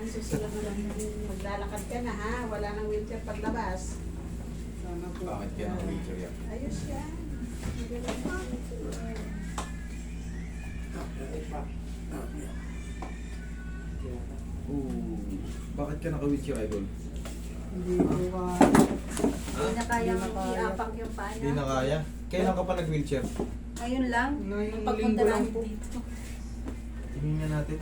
Ang susunod na lang maglalakad ka na ha. Wala nang wheelchair paglabas. Sana po. Bakit kaya ng wheelchair yan? Ayos yan. Bakit ka naka-wheelchair, idol? Hindi ko ka... Hindi na kayang Hindi na kaya. iapak yung paa Hindi niya. na kaya. Kailan ka pa nag-wheelchair? Ngayon lang. Ngayong Nung pagpunta linggo lang namin po. dito. Tingnan nga natin.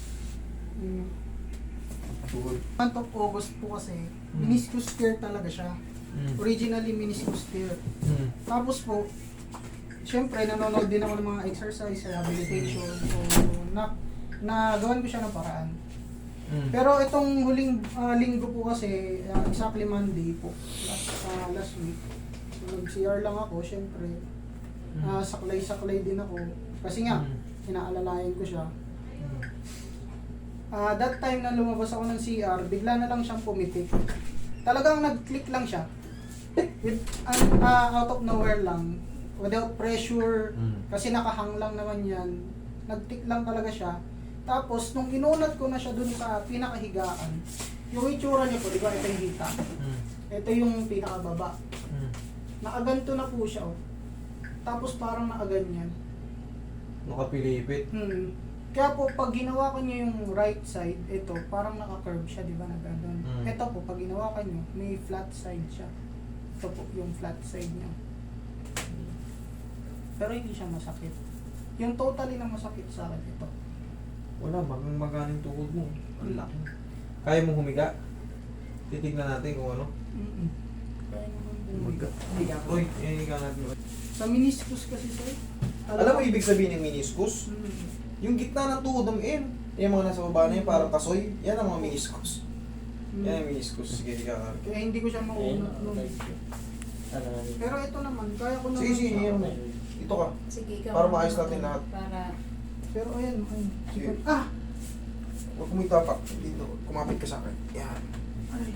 Tuhod. Month of August po kasi, meniscus tear talaga siya. Originally meniscus tear. Tapos po, syempre nanonood din ako ng mga exercise, rehabilitation. So, nagawan ko siya ng paraan. Pero itong huling linggo po kasi, exactly Monday po, last week. So, nag-CR lang ako, syempre. Saklay-saklay din ako. Kasi nga, inaalalayan ko siya. That time na lumabas ako ng CR, bigla na lang siyang pumitik. Talagang nag-click lang siya. Out of nowhere lang. Without pressure. Kasi nakahang lang naman yan. Nag-tick lang talaga siya. Tapos, nung inunat ko na siya dun sa pinakahigaan, yung itsura niya po, di ba, ito yung hita. Ito yung pinakababa. Nakaganto na po siya, oh. Tapos parang nakaganyan. Nakapilipit. Kaya po, pag ginawakan niyo yung right side, ito, parang naka-curve siya, di ba, na gano'n. Ito po, pag ginawakan niyo, may flat side siya. Ito po, yung flat side niya. Pero hindi siya masakit. Yung totally na masakit sa akin, ito. Wala, maganing tuhod mo. Ang laki. Kaya mo humiga? Titignan natin kung ano. Kaya naman po. Humiga. Higa ka. Uy, higa natin. Sa meniscus kasi, sir. Alam mo ibig sabihin ng meniscus? Yung gitna ng tuhod ng yung mga nasa baba na yun, parang kasoy, yan ang mga meniscus. Yan ang meniscus. Sige, higa ka. Kaya hindi ko siya maunat nun. Pero ito naman, kaya ko naman. Sige, sige, yan mo. Ito ka. Sige, ikaw. Para maayos natin lahat. Para Pero ayan, ayun. Sige. Ah! Huwag mo itapak. Dito, kumapit ka sa akin. Yan. Ay.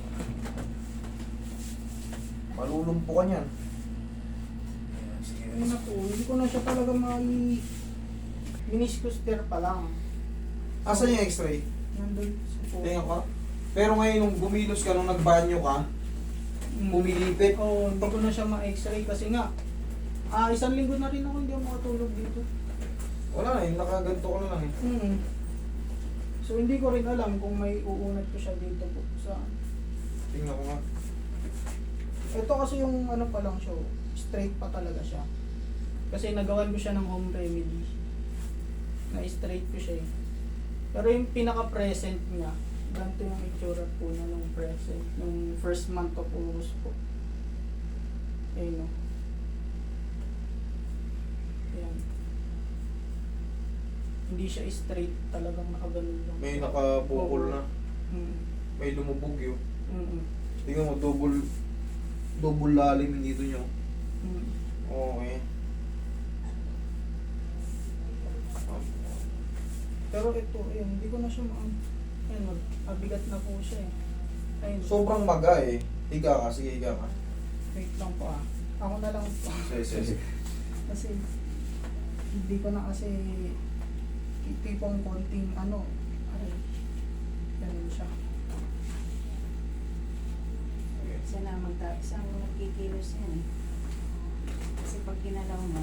Malulumpo ka niyan. Yan, sige. Ayun na po, hindi ko na siya talaga meniscus tear pa lang. Asan yung x-ray? Nandun sa po. Tingnan ka. Pero ngayon, nung gumilos ka, nung nagbanyo ka, pumilipit. Oo, hindi ko na siya ma-x-ray kasi nga, isang linggo na rin ako hindi ako makatulog dito. Wala na, yung nakaganto ko na lang eh. So hindi ko rin alam kung may uunat ko siya dito po sa... Tingnan ko nga. Ito kasi yung ano pa lang siya, straight pa talaga siya. Kasi nagawan ko siya ng home remedy. Na-straight ko siya eh. Pero yung pinaka-present niya, ganito yung itsura po niya nung present, nung first month of August po. Ayun o. Ayan. Hindi siya straight, talagang nakaganon lang. May nakabukol na. Mm. May lumubog yun. Mm. Tingnan mo, double lalim yung dito nyo. Mm. Okay. Pero ito, ayun, hindi ko na siya ayun, mabigat na po siya eh. Ayun. Sobrang maga eh. Higa ka, sige higa ka. Wait lang po ah. Ako na lang po. Sige. Kasi, hindi ko na kasi tipong konting ay, ganun siya. siya na isang magkikilos yan eh. Kasi pag ginalaw mo,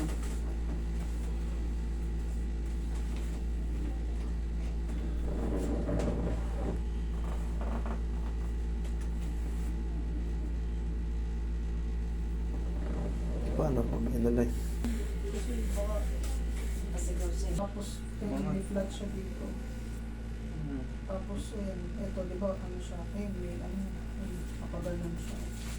Paano pag inalay? Kasi baka, pasigaw siya. tapos may flat siya dito. Tapos, ayun, eto, di ba, ano siya, ayun, may kapagalan siya.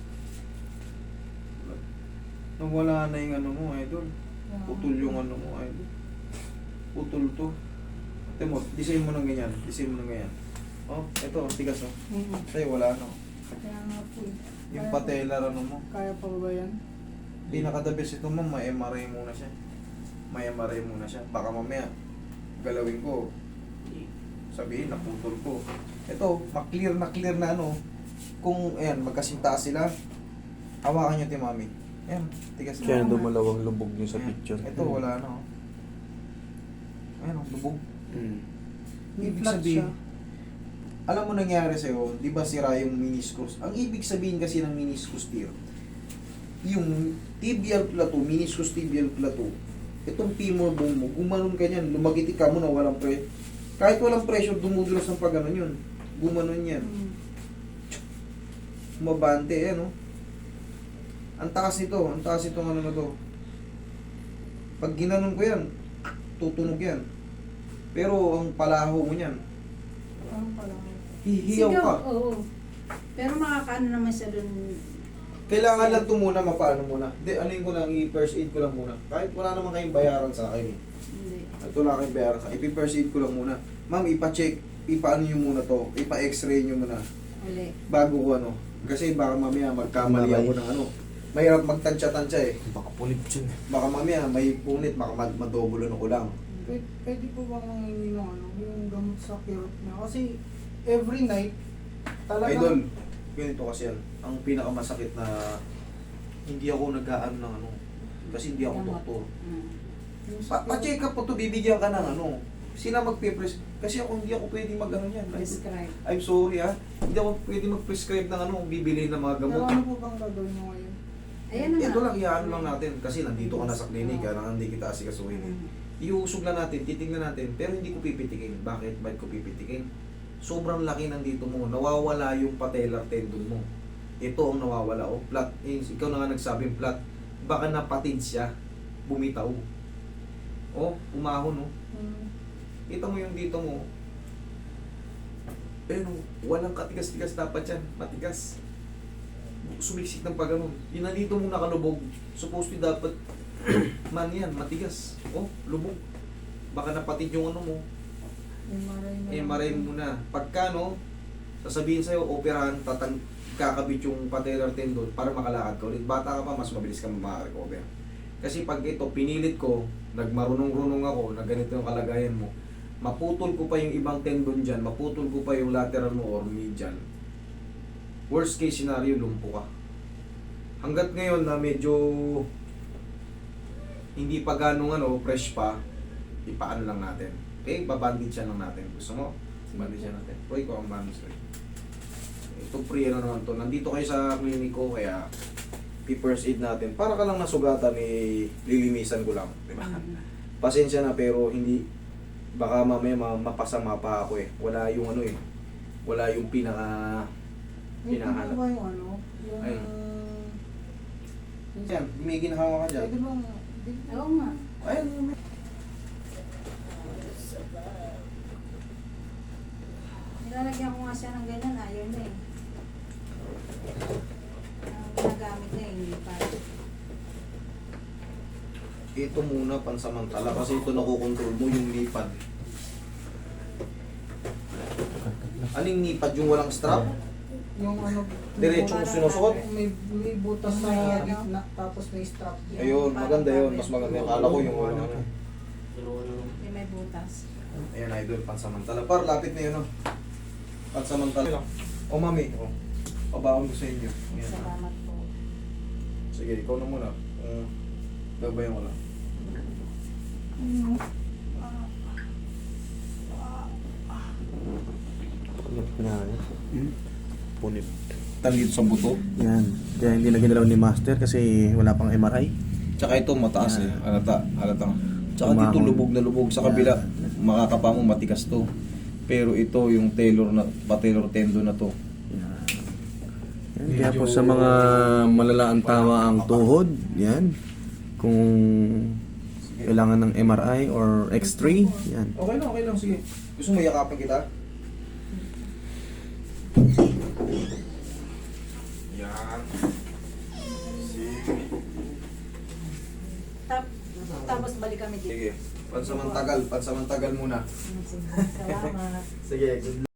Nung wala na yung ano mo, idol. Kaya- Putol yung ano mo, idol. Putol to. Ate mo, design mo ng ganyan. Design mo ng ganyan. Oh, eto, tigas oh. Sa'yo wala no. Kaya nga po eh. Yung Kaya- patellar ano mo. Kaya pa ba yan? Pinaka-the-best ito mo, may MRI muna siya. May MRI muna siya. Baka mamaya, galawin ko. Sabihin, naputol ko. Ito, clear na ano. Kung, ayan, magkasintaas sila. Hawakan nyo, Mami. Ayan, tigas Kaya na. dumalawang lubog nyo sa Ayan. picture. Ito, wala na. Oh. Ayan, oh, lubog. Mm. May Ibig flat sabihin, siya. alam mo nangyari sa'yo, di ba sira yung meniscus? Ang ibig sabihin kasi ng meniscus tear, yung tibial plateau, meniscus tibial plateau, itong femur bone mo, gumanon ka niyan, lumagitik ka mo na walang kahit walang pressure, dumudulas ng pag yun. Gumanon yan. Mabante, ano? Ang taas nito, ang taas itong ano na to. Pag ginanon ko yan, tutunog yan. Pero ang palaho mo niyan, Ano pala? hihiyaw ka. Oo. Pero makakaano naman siya dun. Kailangan lang ito muna, mapaano muna. Hindi, anuin ko lang, i-first aid ko lang muna. Kahit wala naman kayong bayaran sa akin. Hindi. Ito lang kayong bayaran sa akin. I-first aid ko lang muna. Ma'am, ipa-check, ipaano nyo muna to. Ipa-x-ray nyo muna. Uli. Bago ko ano. Kasi baka mamaya magkamali ako ng ano. Mahirap magtansya-tansya eh. Baka punit yun. Baka mamaya may punit, baka madobulo ko lang. Pwede po bang nangingi ng ano, yung gamot sa kirot na? Kasi every night, Idol, talagang ganito kasi yan. Ang pinakamasakit na hindi ako nag-aano ng ano. Kasi hindi ako Gamot. doktor. yung sa kirot, Pa-check up po to, bibigyan ka ng ano. Sila magpe-pres... Kasi ako hindi ako pwede mag-ano yan. Prescribe. I'm sorry Hindi ako pwede mag-prescribe ng ano, bibili ng mga pero gamot. ano po bang gagawin mo ngayon? Ayan na nga. Ito lang, iaan lang natin. Kasi nandito ka na sa klinik, kaya hindi kita asikasuhin eh. Iusog lang natin, titignan natin, pero hindi ko pipitikin. Bakit? Bakit ko pipitikin? Sobrang laki nandito mo. Nawawala yung patellar tendon mo. Ito ang nawawala. O, flat. Ikaw na nga nagsabing flat. Baka napatid siya. Bumitaw. O, umahon o. Kita mo yung dito mo. Pero walang katigas-tigas dapat yan. Matigas. Sumiksik ng pagano'n. Yun na dito mo nakalubog. Supposed to dapat man yan, matigas. Oh, lubog. Baka napatid yung ano mo. MRI mo na. Pagka no, sasabihin sa'yo, operahan, kakabit yung patellar tendon para makalakad ka ulit. Bata ka pa, mas mabilis ka makarecover. Kasi pag ito, pinilit ko, nagmarunong-runong ako, na ganito yung kalagayan mo, maputol ko pa yung ibang tendon dyan, maputol ko pa yung lateral mo or medial. Worst case scenario, lumpo ka. Hanggat ngayon na medyo hindi pa ganong ano, fresh pa, ipaano lang natin. Okay, babandage siya lang natin. Gusto mo? Bandage siya natin. Uy, ko ang bandage rin. Ito free ano naman to. Nandito kayo sa clinic ko, kaya first aid natin. Para ka lang nasugatan, lilinisan ko lang. Diba? Pasensya na, pero hindi, baka mamaya mapasama pa ako eh. Wala yung ano eh. Wala yung pinaka... May Hinahanap. ba yung ano? Yung... Ayun. Yan, may ginahawa ka dyan. Pwede bang... Oo nga. Ayun, Nilalagyan ko nga siya ng ganyan, ayaw na eh. Ang ginagamit na eh, hindi pa. ito muna pansamantala kasi ito nakokontrol mo yung lipad. Aling lipad? Yung walang strap? Yung ano... Diretsong sinusuot? May butas sa gitna, tapos may strap. Ayun, maganda yun. Mas maganda yun. Kala ko yung wala. Yung may butas. Ayan, idol, pansamantala. Par, lapit na yun, no? Pansamantala. O, mami. O, pabaon ko sa inyo. Ayan. Salamat po. Sige, ikaw na muna. Gabayan ko lang. Punit na yan. Punit. Dito sa buto. Yan. Kaya hindi na ginalaw ni Master kasi wala pang MRI. Tsaka ito mataas eh. Halata. Tsaka Umahon. dito lubog na lubog. Sa kabila, makakapa mo matigas to. Pero ito yung patellar tendon na to. Yan. Yan. Kaya po sa mga malalaan tama ang tuhod, yan. Kung kailangan ng MRI or X-ray, yan. Okay lang. Sige. Gusto mo yakapin kita? Yan. Sige. Tapos balik kami dito. Sige. Pansamantagal muna. Salamat. Sige.